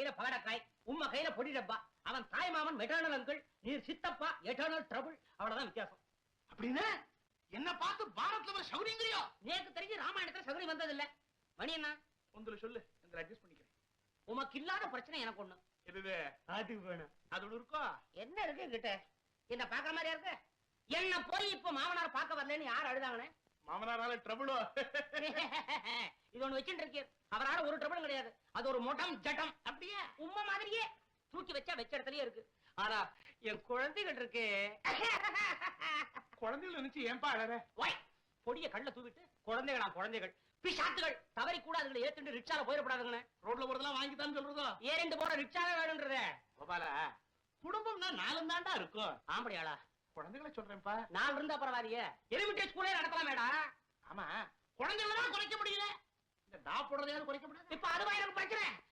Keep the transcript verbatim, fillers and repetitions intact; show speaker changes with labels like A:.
A: கையில பகடக்காய், உம்ம கையில பொடி டப்பா. அவன் தாய் மாமன் மெட்டர்னல் அங்கிள், நீர் சித்தப்பா எட்டர்னல் ட்ரபிள். அவ்வளவுதான் வித்தியாசம்.
B: அப்படின்னு என்ன பார்த்து பாரத்ல சௌரியங்கிறியோ?
A: நேக்கு தெரிஞ்சு ராமாயணத்துல சௌரி வந்தது இல்ல. மணி என்ன
B: ஒன்று சொல்லு, எங்களை அட்ஜஸ்ட் பண்ணிக்கிறேன்.
A: உமக்கு இல்லாத பிரச்சனை எனக்கு ஒண்ணு.
B: எது? அது வேணும். அது ஒண்ணு இருக்கோ?
A: என்ன இருக்கு கிட்ட? என்ன பாக்குற மாதிரியா இருக்கு? என்ன போய் இப்ப மாமனார் பார்க்க வரலன்னு யார் அழுதாங்கன்னு?
B: மாமனாரால ட்ரபிளோ?
A: இது ஒண்ணு வச்சுட்டு இருக்கீர். அவரால ஒரு ட்ரபிளும் கிடையாது. அது ஒரு மொட்டம் ஜட்டம். அப்படியே உம்மை மாதிரியே தூக்கி வச்சா வச்ச இடத்துலயே இருக்கு. ஆனா என் குழந்தைகள் இருக்கு.
B: குழந்தைகள் நினைச்சு ஏன்பா அழற?
A: ஒய் பொடிய கண்ணுல தூவிட்டு குழந்தைகளா குழந்தைகள் பிசாத்துகள் தவறி கூட அதுகளை ஏத்துட்டு ரிக்ஷால போயிடப்படாதுங்கண்ணே.
B: ரோட்ல போறதெல்லாம் வாங்கித்தான்னு சொல்றதோ?
A: ஏறிண்டு போற ரிக்ஷாவே வேணும்ன்றத.
B: கோபாலா, குடும்பம்னா நாலும் தாண்டா இருக்கும்.
A: ஆம்படியாளா?
B: குழந்தைகளை சொல்றேன்ப்பா.
A: நாலு இருந்தா பரவாயில்லையே. எலிமெண்டரி ஸ்கூலே நடத்தலாமேடா.
B: ஆமா, குழந்தைகளை தான் குறைக்க முடியல. இந்த டா போடுறதையாவது குறைக்க முடியாது.
A: இப்ப அதுவா எனக்கு பிரச்சனை.